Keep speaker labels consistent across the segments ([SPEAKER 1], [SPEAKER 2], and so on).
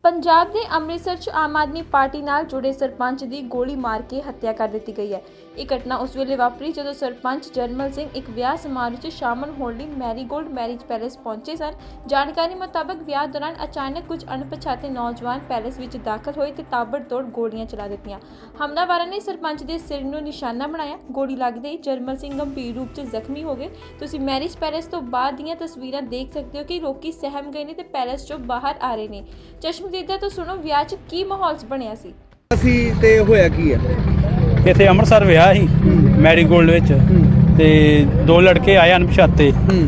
[SPEAKER 1] ਪੰਜਾਬ ਦੇ ਅੰਮ੍ਰਿਤਸਰ 'ਚ ਆਮ ਆਦਮੀ ਪਾਰਟੀ ਨਾਲ ਜੁੜੇ ਸਰਪੰਚ ਦੀ ਗੋਲੀ ਮਾਰ ਕੇ ਹੱਤਿਆ ਕਰ ਦਿੱਤੀ ਗਈ ਹੈ। ਇਹ ਘਟਨਾ ਉਸ ਵੇਲੇ ਵਾਪਰੀ ਜਦੋਂ ਸਰਪੰਚ ਜਰਮਲ ਸਿੰਘ ਇੱਕ ਵਿਆਹ ਸਮਾਰੋਹ 'ਚ ਸ਼ਾਮਲ ਹੋਣ ਲਈ ਮੈਰੀਗੋਲਡ ਮੈਰਿਜ ਪੈਲੇਸ ਪਹੁੰਚੇ ਸਨ। ਜਾਣਕਾਰੀ ਮੁਤਾਬਕ ਵਿਆਹ ਦੌਰਾਨ ਅਚਾਨਕ ਕੁਝ ਅਣਪਛਾਤੇ ਨੌਜਵਾਨ ਪੈਲੇਸ ਵਿੱਚ ਦਾਖਲ ਹੋਏ ਤੇ ਤਾਬੜਤੋੜ ਗੋਲੀਆਂ ਚਲਾ ਦਿੱਤੀਆਂ। ਹਮਲਾਵਰਾਂ ਨੇ ਸਰਪੰਚ ਦੇ ਸਿਰ ਨੂੰ ਨਿਸ਼ਾਨਾ ਬਣਾਇਆ। ਗੋਲੀ ਲੱਗਦੇ ਹੀ ਜਰਮਲ ਸਿੰਘ ਗੰਭੀਰ ਰੂਪ 'ਚ ਜ਼ਖਮੀ ਹੋ ਗਏ। ਤੁਸੀਂ ਮੈਰਿਜ ਪੈਲੇਸ ਤੋਂ ਬਾਅਦ ਦੀਆਂ ਤਸਵੀਰਾਂ ਦੇਖ ਸਕਦੇ ਹੋ ਕਿ ਲੋਕੀ ਸਹਿਮ ਗਏ ਨੇ ਤੇ ਪੈਲੇਸ 'ਚੋਂ ਬਾਹਰ ਆ ਰਹੇ ਨੇ। ਚਸ਼ਮਦੀਦਾ ਤੋਂ ਸੁਣੋ ਵਿਆਹ 'ਚ ਕੀ ਮਾਹੌਲ ਬਣਿਆ ਸੀ।
[SPEAKER 2] ਅਸੀਂ ਤੇ ਹੋਇਆ ਕੀ ਹੈ
[SPEAKER 3] ਇੱਥੇ ਅੰਮ੍ਰਿਤਸਰ ਵਿਆਹ ਸੀ ਮੈਰੀਗੋਲਡ ਵਿੱਚ ਤੇ ਦੋ ਲੜਕੇ ਆਏ ਅਣਪਛਾਤੇ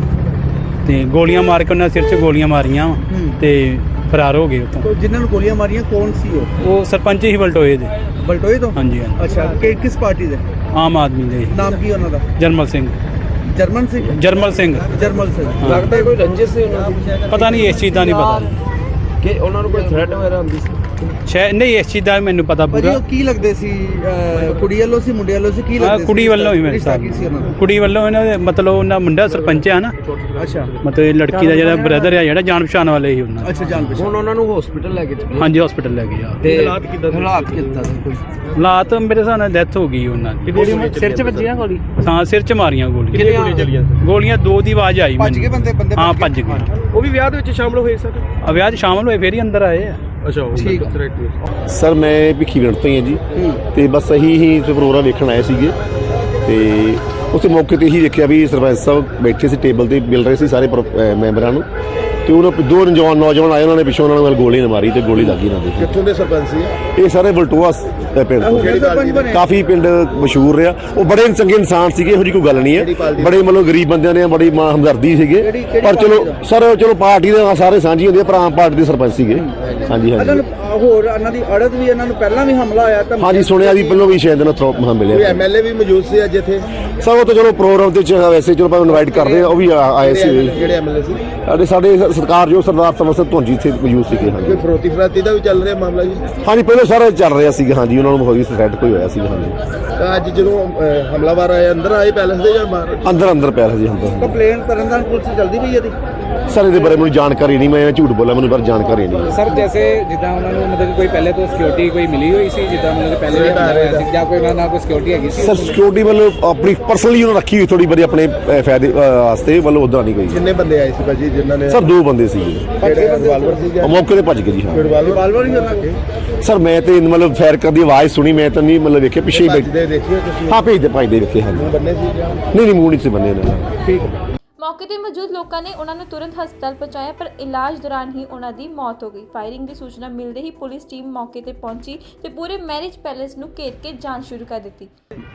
[SPEAKER 3] ਤੇ ਗੋਲੀਆਂ ਮਾਰ ਕੇ ਉਹਨਾਂ ਸਿਰ 'ਚ ਗੋਲੀਆਂ ਮਾਰੀਆਂ ਤੇ ਫਰਾਰ ਹੋ ਗਏ ਉੱਥੋਂ।
[SPEAKER 2] ਜਿਨ੍ਹਾਂ ਨੂੰ ਗੋਲੀਆਂ ਮਾਰੀਆਂ ਕੌਣ ਸੀ
[SPEAKER 3] ਉਹ ਸਰਪੰਚ ਹੀ ਬਲਟੋਏ ਦੇ।
[SPEAKER 2] ਬਲਟੋਏ ਤੋਂ?
[SPEAKER 3] ਹਾਂਜੀ ਹਾਂਜੀ।
[SPEAKER 2] ਅੱਛਾ, ਕਿਸ ਪਾਰਟੀ ਦੇ?
[SPEAKER 3] ਆਮ ਆਦਮੀ ਦੇ।
[SPEAKER 2] ਨਾਮ ਕੀ ਉਹਨਾਂ ਦਾ?
[SPEAKER 3] ਜਰਮਲ ਸਿੰਘ।
[SPEAKER 2] ਜਰਮਨ ਸਿੰਘ?
[SPEAKER 3] ਜਰਮਲ ਸਿੰਘ।
[SPEAKER 2] ਜਰਮਲ ਸਿੰਘ।
[SPEAKER 4] ਲੱਗਦਾ ਕੋਈ ਰੰਜਿਸ਼ ਸੀ ਉਹਨਾਂ ਦੀ?
[SPEAKER 3] ਪਤਾ ਨਹੀਂ, ਇਸ ਚੀਜ਼ ਦਾ ਨਹੀਂ ਪਤਾ
[SPEAKER 4] ਕਿ ਉਹਨਾਂ ਨੂੰ ਕੋਈ ਥ੍ਰੈਟ ਵਗੈਰਾ ਹੁੰਦੀ ਸੀ?
[SPEAKER 3] ਸ਼ਾਇਦ ਨਹੀਂ, ਇਸ ਚੀਜ਼ ਦਾ ਮੈਨੂੰ ਪਤਾ
[SPEAKER 2] ਭਾਜੀ
[SPEAKER 3] ਪੂਰਾ।
[SPEAKER 2] ਉਹ ਕੀ ਲੱਗਦੇ ਸੀ? ਕੁੜੀ ਵੱਲੋਂ ਸੀ ਮੁੰਡੇ ਵੱਲੋਂ ਸੀ? ਕੀ ਲੱਗਦੇ ਸੀ?
[SPEAKER 3] ਕੁੜੀ ਵੱਲੋਂ ਹੀ ਮੇਰੇ
[SPEAKER 2] ਰਿਸ਼ਤਾ ਕੀ ਸੀ ਉਹਨਾਂ ਦਾ?
[SPEAKER 3] ਕੁੜੀ ਵੱਲੋਂ ਇਹਨਾਂ ਦੇ ਮਤਲਬ ਉਹਨਾਂ ਮੁੰਡਾ ਸਰਪੰਚ ਆ ਨਾ।
[SPEAKER 2] ਅੱਛਾ
[SPEAKER 3] ਮਤਲਬ ਇਹ ਲੜਕੀ ਦਾ ਜਿਹੜਾ ਬ੍ਰਦਰ ਆ ਜਿਹੜਾ ਜਾਣ ਪਛਾਣ ਵਾਲੇ ਹੀ ਉਹਨਾਂ।
[SPEAKER 2] ਅੱਛਾ, ਜਾਣ ਪਛਾਣ।
[SPEAKER 4] ਹੁਣ ਉਹਨਾਂ ਨੂੰ ਹਸਪੀਟਲ ਲੈ ਕੇ ਚੱਲੇ?
[SPEAKER 3] ਹਾਂਜੀ, ਹਸਪੀਟਲ ਲੈ ਗਏ ਆ।
[SPEAKER 4] ਤੇ
[SPEAKER 2] ਹਾਲਾਤ ਕਿੱਦਾਂ ਸੀ? ਕੋਈ
[SPEAKER 3] ਹਾਲਾਤ ਮੇਰੇ ਹਿਸਾਬ ਨਾਲ ਡੈਥ ਹੋ ਗਈ ਉਹਨਾਂ ਦੀ।
[SPEAKER 4] ਸਿਰ 'ਚ ਵੱਜੀ ਨਾ ਗੋਲੀ?
[SPEAKER 3] ਹਾਂ, ਸਿਰ 'ਚ ਮਾਰੀਆਂ ਗੋਲੀਆਂ।
[SPEAKER 4] ਕਿੰਨੀਆਂ ਗੋਲੀਆਂ ਚੱਲੀਆਂ?
[SPEAKER 3] ਗੋਲੀਆਂ ਦੋ ਦੀ ਆਵਾਜ਼ ਆਈ
[SPEAKER 2] ਭੱਜ ਗਏ ਬੰਦੇ?
[SPEAKER 3] ਹਾਂ, ਭੱਜ ਗਏ।
[SPEAKER 4] ਉਹ ਵੀ ਵਿਆਹ ਦੇ ਵਿੱਚ ਸ਼ਾਮਲ ਹੋਏ ਸਰ?
[SPEAKER 3] ਵਿਆਹ 'ਚ ਸ਼ਾਮਲ ਹੋਏ ਫੇਰ ਹੀ ਅੰਦਰ ਆਏ ਆ।
[SPEAKER 4] ਅੱਛਾ,
[SPEAKER 2] ਠੀਕ
[SPEAKER 5] ਸਰ ਮੈਂ ਭਿੱਖੀਵਿੰਡ ਤੋਂ ਹੀ ਹਾਂ ਜੀ ਤੇ ਬਸ ਹੀ ਪ੍ਰੋਗਰਾਮ ਵੇਖਣ ਆਏ ਸੀਗੇ ਤੇ ਉੱਥੇ ਮੌਕੇ ਤੇ ਹੀ ਦੇਖਿਆ ਵੀ ਸਰਪੰਚ ਸਾਹਿਬ ਬੈਠੇ ਸੀ ਟੇਬਲ ਤੇ ਮਿਲ ਰਹੇ ਸੀ ਸਾਰੇ ਮੈਂਬਰਾਂ ਨੂੰ ਤੇ ਉਹਨਾਂ ਦੋ ਨੌਜਵਾਨ ਆਏ, ਉਹਨਾਂ ਨੇ ਪਿੱਛੋਂ ਉਹਨਾਂ ਨੂੰ ਗੋਲੀ ਨਾ ਮਾਰੀ ਤੇ ਗੋਲੀ ਲੱਗੀ ਇਹਨਾਂ ਦੇ।
[SPEAKER 6] ਕਿੱਥੋਂ ਦੇ ਸਰਪੰਚ ਸੀ
[SPEAKER 5] ਇਹ ਸਾਰੇ ਬਲਟੋਆ ਪਿੰਡ ਤੋਂ, ਕਾਫੀ ਪਿੰਡ ਮਸ਼ਹੂਰ ਰਿਹਾ। ਉਹ ਬੜੇ ਚੰਗੇ ਇਨਸਾਨ ਸੀਗੇ, ਇਹੋ ਜਿਹੀ ਕੋਈ ਗੱਲ ਨਹੀਂ ਹੈ। ਬੜੇ ਮਤਲਬ ਗਰੀਬ ਬੰਦਿਆਂ ਨੇ ਬੜੀ ਹਮਦਰਦੀ ਸੀਗੇ, ਪਰ ਚਲੋ ਪਾਰਟੀ ਦੇ ਸਾਰੇ ਸਾਂਝੀ ਹੁੰਦੀ ਹੈ, ਪਰ ਆਮ ਪਾਰਟੀ ਦੇ ਸਰਪੰਚ ਸੀਗੇ। ਹਾਂਜੀ ਹਾਂਜੀ।
[SPEAKER 2] ਹੋਰ ਇਹਨਾਂ ਦੀ ਅੜਤ ਵੀ, ਇਹਨਾਂ ਨੂੰ ਪਹਿਲਾਂ ਵੀ ਹਮਲਾ ਹੋਇਆ ਤਾਂ? ਹਾਂਜੀ,
[SPEAKER 5] ਸੁਣਿਆ ਵੀ ਪਹਿਲਾਂ ਵੀ ਸ਼ਾਇਦ ਇਹਨਾਂ ਥਰੋਪ ਮਿਲਿਆ।
[SPEAKER 6] ਕੋਈ ਐਮਐਲਏ ਵੀ ਮੌਜੂਦ ਸੀ ਅੱਜ ਇੱਥੇ?
[SPEAKER 5] ਸਰ ਉਹ ਤਾਂ ਚਲੋ ਪ੍ਰੋਗਰਾਮ ਤੇ ਵੈਸੇ ਚਲੋ ਆਪਾਂ ਇਨਵਾਈਟ ਕਰਦੇ ਆ, ਉਹ ਵੀ ਆਏ ਸੀ।
[SPEAKER 6] ਕਿਹੜੇ ਐਮਐਲਏ ਸੀ? ਸਾਡੇ
[SPEAKER 5] ਸਰਕਾਰ ਜੋ ਸਰਦਾਰ ਸਮਰ ਸਿੰਘ ਧੁੰਜੀ ਇੱਥੇ ਮੌਜੂਦ ਸੀਗੇ। ਹਾਂਜੀ,
[SPEAKER 6] ਕੋਈ ਫਰੋਤੀ ਫਰਾਤੀ ਦਾ ਵੀ ਚੱਲ ਰਿਹਾ ਮਾਮਲਾ ਜੀ?
[SPEAKER 5] ਹਾਂਜੀ, ਪਹਿਲਾਂ ਸਾਰਾ ਚੱਲ ਰਿਹਾ ਸੀਗਾ। ਹਾਂਜੀ, ਉਹਨਾਂ ਨੂੰ ਹੋਈ ਥ੍ਰੈਟ ਕੋਈ ਹੋਇਆ ਸੀਗਾ। ਹਾਂਜੀ,
[SPEAKER 6] ਤਾਂ ਅੱਜ ਜਦੋਂ ਹਮਲਾਵਰ ਆਏ ਅੰਦਰ ਆਏ ਪੈਲੇਸ ਦੇ ਜਾਂ ਬਾਹਰ?
[SPEAKER 5] ਅੰਦਰ ਪਿਆ ਸੀ। ਅੰਦਰ
[SPEAKER 2] ਕੰਪਲੇਨ ਤਰਨਤਾਰਨ ਪੁਲਿਸ ਜਲਦੀ ਪਈ ਇਹਦੀ?
[SPEAKER 5] ਸਰ ਇਹਦੇ ਬਾਰੇ ਮੈਨੂੰ ਜਾਣਕਾਰੀ ਨਹੀਂ, ਮੈਂ ਝੂਠ ਬੋਲਾਂ, ਮੈਨੂੰ ਪਰ ਜਾਣਕਾਰੀ ਨਹੀਂ।
[SPEAKER 7] ਸਰ ਜੈਸੇ ਜਿੱਦਾਂ ਉਹਨਾਂ ਨੂੰ ਮਤਲਬ ਕੋਈ ਪਹਿਲੇ ਤੋਂ ਸਿਕਿਉਰਿਟੀ ਕੋਈ ਮਿਲੀ ਹੋਈ ਸੀ, ਜਿੱਦਾਂ ਮਤਲਬ ਪਹਿਲੇ ਵੀ ਹਮਲਾ ਸੀ ਜਾਂ ਕੋਈ ਉਹਨਾਂ ਨਾਲ ਕੋਈ ਸਿਕਿਉਰਿਟੀ ਹੈਗੀ ਸੀ?
[SPEAKER 5] ਸਰ ਸਿਕਿਉਰਿਟੀ ਵੱਲੋਂ ਆਪਣੀ ਪਰਸਨਲੀ ਉਹਨਾਂ ਰੱਖੀ ਹੋਈ ਥੋੜੀ ਬੜੀ ਆਪਣੇ ਫਾਇਦੇ ਵਾਸਤੇ, ਵੱਲੋਂ ਉਦਾਂ ਨਹੀਂ ਕੋਈ।
[SPEAKER 6] ਕਿੰਨੇ ਬੰਦੇ ਆਏ ਸੀ ਭਾਜੀ ਜਿਨ੍ਹਾਂ ਨੇ?
[SPEAKER 5] ਸਰ ਦੋ ਬੰਦੇ ਸੀਗੇ।
[SPEAKER 6] ਰਿਵਾਲਵਰ ਸੀ ਜਾਂ
[SPEAKER 5] ਮੌਕੇ ਤੇ ਭੱਜ ਗਏ ਜੀ। ਹਾਂ,
[SPEAKER 6] ਰਿਵਾਲਵਰ ਹੀ ਉਹਨਾਂ?
[SPEAKER 5] ਸਰ ਮੈਂ ਤੇ ਮਤਲਬ ਫਾਇਰ ਕਰਨ ਦੀ ਆਵਾਜ਼ ਸੁਣੀ, ਮੈਂ ਤਾਂ ਨਹੀਂ ਮਤਲਬ ਵੇਖਿਆ ਪਿੱਛੇ ਹੀ
[SPEAKER 6] ਭੱਜਦੇ ਦੇਖਿਓ ਤੁਸੀਂ?
[SPEAKER 5] ਹਾਂ, ਭੇਜਦੇ ਵੇਖੇ। ਹਾਂਜੀ,
[SPEAKER 6] ਬੰਨੇ ਸੀ ਜਾਂ
[SPEAKER 5] ਨਹੀਂ ਮੂੰਹ ਨਹੀਂ ਸੀ ਬੰਨੇ ਇਹਨਾਂ।
[SPEAKER 6] ਠੀਕ।
[SPEAKER 1] ਮੌਕੇ ਤੇ ਮੌਜੂਦ ਲੋਕਾਂ ਨੇ ਉਹਨਾਂ ਨੂੰ ਤੁਰੰਤ ਹਸਪਤਾਲ ਪਹੁੰਚਾਇਆ, ਪਰ ਇਲਾਜ ਦੌਰਾਨ ਹੀ ਉਹਨਾਂ ਦੀ ਮੌਤ ਹੋ ਗਈ। ਫਾਇਰਿੰਗ ਦੀ ਸੂਚਨਾ ਮਿਲਦੇ ਹੀ ਪੁਲਿਸ ਟੀਮ ਮੌਕੇ ਤੇ ਪਹੁੰਚੀ ਤੇ ਪੂਰੇ ਮੈਰਿਜ ਪੈਲੇਸ ਨੂੰ ਘੇਰ ਕੇ ਜਾਂਚ ਸ਼ੁਰੂ ਕਰ ਦਿੱਤੀ।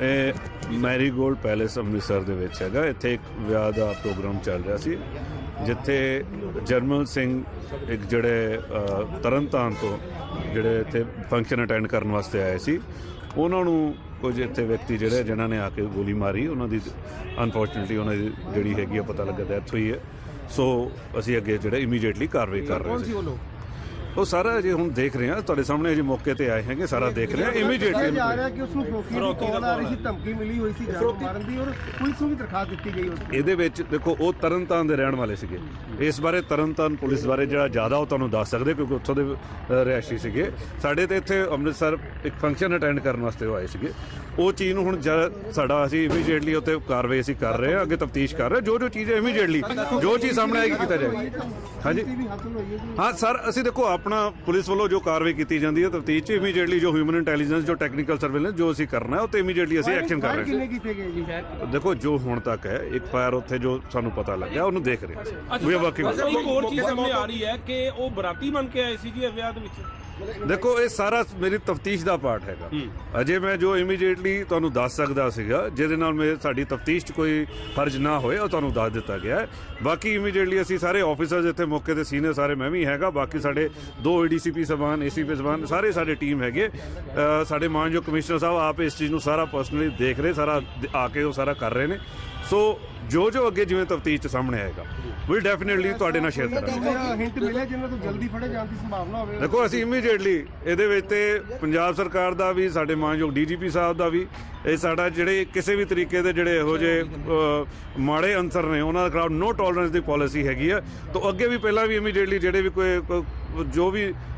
[SPEAKER 8] ਇਹ ਮੈਰੀਗੋਲਡ ਪੈਲੇਸ ਅੰਮ੍ਰਿਤਸਰ ਦੇ ਵਿੱਚ ਹੈਗਾ। ਇੱਥੇ ਇੱਕ ਵਿਆਹ ਦਾ ਪ੍ਰੋਗਰਾਮ ਚੱਲ ਰਿਹਾ ਸੀ, ਜਿੱਥੇ ਜਰਮਲ ਸਿੰਘ ਇੱਕ ਜਿਹੜੇ ਤਰਨਤਾਰਨ ਤੋਂ ਜਿਹੜੇ ਇੱਥੇ ਫੰਕਸ਼ਨ ਅਟੈਂਡ ਕਰਨ ਵਾਸਤੇ ਆਏ ਸੀ, ਉਹਨਾਂ ਨੂੰ ਕੁਝ ਇੱਥੇ ਵਿਅਕਤੀ ਜਿਹੜੇ ਜਿਨ੍ਹਾਂ ਨੇ ਆ ਕੇ ਗੋਲੀ ਮਾਰੀ। ਉਹਨਾਂ ਦੀ ਅਨਫੋਰਚੂਨੇਟਲੀ ਉਹਨਾਂ ਦੀ ਜਿਹੜੀ ਹੈਗੀ ਆ ਪਤਾ ਲੱਗਾ ਡੈਥ ਹੋਈ ਹੈ। ਸੋ ਅਸੀਂ ਅੱਗੇ ਜਿਹੜੇ ਇਮੀਡੀਏਟਲੀ ਕਾਰਵਾਈ ਕਰ ਰਹੇ ਸੀ। ਉਹ ਸਾਰਾ ਅਜੇ ਹੁਣ ਦੇਖ ਰਹੇ ਹਾਂ, ਤੁਹਾਡੇ ਸਾਹਮਣੇ ਅਜੇ ਮੌਕੇ ਤੇ ਆਏ ਹੈਗੇ, ਸਾਰਾ ਦੇਖ ਰਹੇ ਹਾਂ ਇਮੀਡੀਏਟਲੀ।
[SPEAKER 6] ਜਾ ਰਿਹਾ ਕਿ ਉਸ ਨੂੰ ਫਰੋਤੀ ਦੀ ਕਾਲ ਆ ਰਹੀ ਸੀ, ਧਮਕੀ ਮਿਲੀ ਹੋਈ ਸੀ ਜਾਨ ਮਾਰਨ ਦੀ, ਔਰ ਪੁਲਿਸ ਨੂੰ ਵੀ ਦਰਖਾਸਤ ਦਿੱਤੀ ਗਈ।
[SPEAKER 8] ਇਹਦੇ ਵਿੱਚ ਦੇਖੋ ਉਹ ਤਰਨਤਾਰਨ ਦੇ ਰਹਿਣ ਵਾਲੇ ਸੀਗੇ। ਇਸ ਬਾਰੇ ਤਰਨਤਾਰਨ ਪੁਲਿਸ ਬਾਰੇ ਜਿਹੜਾ ਜ਼ਿਆਦਾ ਉਹ ਤੁਹਾਨੂੰ ਦੱਸ ਸਕਦੇ, ਕਿਉਂਕਿ ਉੱਥੋਂ ਦੇ ਰਿਹਾਇਸ਼ੀ ਸੀਗੇ। ਸਾਡੇ ਤੇ ਇੱਥੇ ਅੰਮ੍ਰਿਤਸਰ ਇੱਕ ਫੰਕਸ਼ਨ ਅਟੈਂਡ ਕਰਨ ਵਾਸਤੇ ਉਹ ਆਏ ਸੀਗੇ। ਉਹ ਚੀਜ਼ ਨੂੰ ਹੁਣ ਸਾਡਾ ਅਸੀਂ ਇਮੀਡੀਏਟਲੀ ਉੱਤੇ ਕਾਰਵਾਈ ਅਸੀਂ ਕਰ ਰਹੇ ਹਾਂ, ਅੱਗੇ ਤਫਤੀਸ਼ ਕਰ ਰਹੇ ਹਾਂ। ਜੋ ਚੀਜ਼ ਇਮੀਡੀਏਟਲੀ ਜੋ ਚੀਜ਼ ਸਾਹਮਣੇ ਆਏਗੀ ਕੀਤਾ ਜਾਏਗਾ। ਹਾਂਜੀ ਹਾਂ ਸਰ, ਅਸੀਂ ਦੇਖੋ ਆਪਣਾ ਪੁਲਿਸ ਵੱਲੋਂ ਜੋ ਕਾਰਵਾਈ ਕੀਤੀ ਜਾਂਦੀ ਹੈ ਤਫਤੀਸ਼ 'ਚ ਇਮੀਡੀਏਟਲੀ ਜੋ ਹਿਊਮਨ ਇੰਟੈਲੀਜੈਂਸ, ਜੋ ਟੈਕਨੀਕਲ ਸਰਵੇਲੈਂਸ ਜੋ ਅਸੀਂ ਕਰਨਾ ਹੈ ਉਹ ਤੇ ਇਮੀਡੀਏਟਲੀ ਅਸੀਂ ਐਕਸ਼ਨ ਕਰ ਰਹੇ ਹਾਂ। ਦੇਖੋ ਜੋ ਹੁਣ ਤੱਕ ਹੈ ਇੱਕ ਫਾਇਰ ਉੱਥੇ ਜੋ ਸਾਨੂੰ ਪਤਾ ਲੱਗਿਆ ਉਹਨੂੰ ਦੇਖ ਰਹੇ ਹਾਂ। ਵੀ ਵਰਕਿੰਗ।
[SPEAKER 9] ਇੱਕ ਹੋਰ ਚੀਜ਼ ਸਾਹਮਣੇ ਆ ਰਹੀ ਹੈ ਕਿ ਉਹ ਬਰਾਤੀ ਬਣ ਕੇ ਆਏ ਸੀ ਜੀ ਵਿਆਹ ਦੇ ਵਿੱਚ।
[SPEAKER 8] ਦੇਖੋ ਇਹ ਸਾਰਾ ਮੇਰੀ ਤਫਤੀਸ਼ ਦਾ ਪਾਰਟ ਹੈਗਾ। ਅਜੇ ਮੈਂ ਜੋ ਇਮੀਡੀਏਟਲੀ ਤੁਹਾਨੂੰ ਦੱਸ ਸਕਦਾ ਸੀਗਾ, ਜਿਹਦੇ ਨਾਲ ਸਾਡੀ ਤਫਤੀਸ਼ 'ਚ ਕੋਈ ਹਰਜ ਨਾ ਹੋਏ, ਉਹ ਤੁਹਾਨੂੰ ਦੱਸ ਦਿੱਤਾ ਗਿਆ ਹੈ। ਬਾਕੀ ਇਮੀਡੀਏਟਲੀ ਅਸੀਂ ਸਾਰੇ ਆਫਿਸਰਸ ਇੱਥੇ ਮੌਕੇ ਤੇ ਸੀਨੀਅਰ ਸਾਰੇ, ਮੈਂ ਵੀ ਹੈਗਾ, ਬਾਕੀ ਸਾਡੇ 2 ADCP ਸਾਹਿਬਾਨ, ACP ਸਾਹਿਬਾਨ, ਸਾਰੇ ਸਾਡੇ ਟੀਮ ਹੈਗੇ। ਸਾਡੇ ਮਾਨਯੋਗ ਕਮਿਸ਼ਨਰ ਸਾਹਿਬ ਆਪ ਇਸ ਚੀਜ਼ ਨੂੰ ਸਾਰਾ ਪਰਸਨਲੀ ਦੇਖ ਰਹੇ, ਸਾਰਾ ਆ ਕੇ ਉਹ ਸਾਰਾ ਕਰ ਰਹੇ ਨੇ। ਸੋ ਜੋ ਅੱਗੇ ਜਿਵੇਂ ਤਫਤੀਸ਼ 'ਚ ਸਾਹਮਣੇ ਆਏਗਾ ਵੀ ਡੈਫੀਨੇਟਲੀ ਤੁਹਾਡੇ ਨਾਲ ਸ਼ੇਅਰ ਕਰਾਂਗੇ।
[SPEAKER 6] ਹਿੰਟ ਮਿਲਿਆ ਜਿਨ੍ਹਾਂ ਤੋਂ ਜਲਦੀ ਫੜੇ ਜਾਣ ਦੀ ਸੰਭਾਵਨਾ ਹੋਵੇ?
[SPEAKER 8] ਦੇਖੋ ਅਸੀਂ ਇਮੀਡੀਏਟਲੀ ਇਹਦੇ ਵਿੱਚ ਤੇ ਪੰਜਾਬ ਸਰਕਾਰ ਦਾ ਵੀ, ਸਾਡੇ ਮਾਨਯੋਗ DGP ਸਾਹਿਬ ਦਾ ਵੀ, ਇਹ ਸਾਡਾ ਜਿਹੜੇ ਕਿਸੇ ਵੀ ਤਰੀਕੇ ਦੇ ਜਿਹੜੇ ਇਹੋ ਜਿਹੇ ਮਾੜੇ ਅਨਸਰ ਨੇ ਉਹਨਾਂ ਦੇ ਖਿਲਾਫ ਨੋ ਟੋਲਰੈਂਸ ਦੀ ਪਾਲਿਸੀ ਹੈਗੀ ਆ। ਤਾਂ ਅੱਗੇ ਵੀ ਪਹਿਲਾਂ ਵੀ ਇਮੀਡੀਏਟਲੀ ਜਿਹੜੇ ਵੀ ਕੋਈ ਜੋ ਵੀ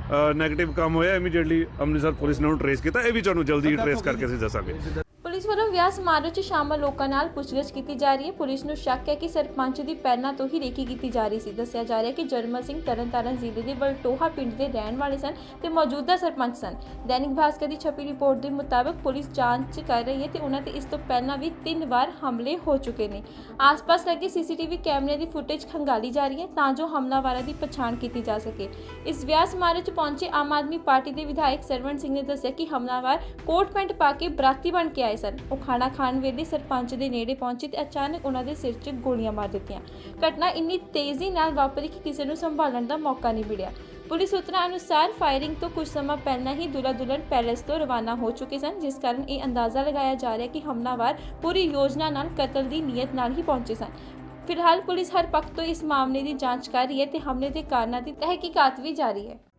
[SPEAKER 8] ਨੈਗੇਟਿਵ ਕੰਮ ਹੋਇਆ ਇਮੀਡੀਏਟਲੀ ਅੰਮ੍ਰਿਤਸਰ ਪੁਲਿਸ ਨੇ ਉਹਨੂੰ ਟਰੇਸ ਕੀਤਾ। ਇਹ ਵੀ ਤੁਹਾਨੂੰ ਜਲਦੀ ਟਰੇਸ ਕਰਕੇ ਅਸੀਂ ਦੱਸਾਂਗੇ।
[SPEAKER 1] ਪੁਲਿਸ ਵੱਲੋਂ ਵਿਆਹ ਸਮਾਰੋਹ 'ਚ ਸ਼ਾਮਲ ਲੋਕਾਂ ਨਾਲ ਪੁੱਛਗਿੱਛ ਕੀਤੀ ਜਾ ਰਹੀ ਹੈ। ਪੁਲਿਸ ਨੂੰ ਸ਼ੱਕ ਹੈ ਕਿ ਸਰਪੰਚ ਦੀ ਪਹਿਲਾਂ ਤੋਂ ਹੀ ਰੇਕੀ ਕੀਤੀ ਜਾ ਰਹੀ ਸੀ। ਦੱਸਿਆ ਜਾ ਰਿਹਾ ਹੈ ਕਿ ਜਰਮਲ ਸਿੰਘ ਤਰਨਤਾਰਨ ਜ਼ਿਲ੍ਹੇ ਦੇ ਵਲਟੋਹਾ ਪਿੰਡ ਦੇ ਰਹਿਣ ਵਾਲੇ ਸਨ ਤੇ ਮੌਜੂਦਾ ਸਰਪੰਚ ਸਨ। ਦੈਨਿਕ ਭਾਸਕਰ ਦੀ ਛਪੀ ਰਿਪੋਰਟ ਦੇ ਮੁਤਾਬਕ ਪੁਲਿਸ ਜਾਂਚ ਕਰ ਰਹੀ ਹੈ ਤੇ ਉਹਨਾਂ ਤੇ ਇਸ ਤੋਂ ਪਹਿਲਾਂ ਵੀ 3 ਵਾਰ ਹਮਲੇ ਹੋ ਚੁੱਕੇ ਨੇ। ਆਸ-ਪਾਸ ਲੱਗੇ ਸੀਸੀਟੀਵੀ ਕੈਮਰੇ ਦੀ ਫੁਟੇਜ ਖੰਗਾਲੀ ਜਾ ਰਹੀ ਹੈ ਤਾਂ ਜੋ ਹਮਲਾਵਰਾਂ ਦੀ ਪਛਾਣ ਕੀਤੀ ਜਾ ਸਕੇ। ਇਸ ਵਿਆਹ ਸਮਾਰੋਹ 'ਚ ਪਹੁੰਚੇ ਆਮ ਆਦਮੀ ਪਾਰਟੀ ਦੇ ਵਿਧਾਇਕ ਸਰਵਣ ਸਿੰਘ ਨੇ ਦੱਸਿਆ ਕਿ ਹਮਲਾਵਰ ਕੋਟ ਪੈਂਟ ਪਾ ਕੇ ਬਰਾਤੀ ਬਣ ਕੇ ਆਏ ਸਨ। ਉਹ ਖਾਣਾ ਖਾਣ ਵੇਲੇ ਸਰਪੰਚ ਦੇ ਨੇੜੇ ਪਹੁੰਚੇ ਤੇ ਅਚਾਨਕ ਉਹਨਾਂ ਦੇ ਸਿਰ 'ਚ ਗੋਲੀਆਂ ਮਾਰ ਦਿੱਤੀਆਂ। ਘਟਨਾ ਇੰਨੀ ਤੇਜ਼ੀ ਨਾਲ ਵਾਪਰੀ ਕਿ ਕਿਸੇ ਨੂੰ ਸੰਭਾਲਣ ਦਾ ਮੌਕਾ ਨਹੀਂ ਮਿਲਿਆ। ਪੁਲਿਸ ਸੂਤਰਾਂ ਅਨੁਸਾਰ ਫਾਇਰਿੰਗ ਤੋਂ ਕੁਝ ਸਮਾਂ ਪਹਿਲਾਂ ਹੀ ਦੁਲਹਾ ਦੁਲਹਨ ਪੈਲੇਸ ਤੋਂ ਰਵਾਨਾ ਹੋ ਚੁੱਕੇ ਸਨ, ਜਿਸ ਕਾਰਨ ਇਹ ਅੰਦਾਜ਼ਾ ਲਗਾਇਆ ਜਾ ਰਿਹਾ ਕਿ ਹਮਲਾਵਰ ਪੂਰੀ ਯੋਜਨਾ ਨਾਲ ਕਤਲ ਦੀ ਨੀਅਤ ਨਾਲ ਹੀ ਪਹੁੰਚੇ ਸਨ। ਫਿਲਹਾਲ ਪੁਲਿਸ ਹਰ ਪੱਖ ਤੋਂ ਇਸ ਮਾਮਲੇ ਦੀ ਜਾਂਚ ਕਰ ਰਹੀ ਹੈ ਤੇ ਹਮਲੇ ਦੇ ਕਾਰਨਾਂ ਦੀ ਤਹਿਕੀਕਾਤ ਵੀ ਜਾਰੀ ਹੈ।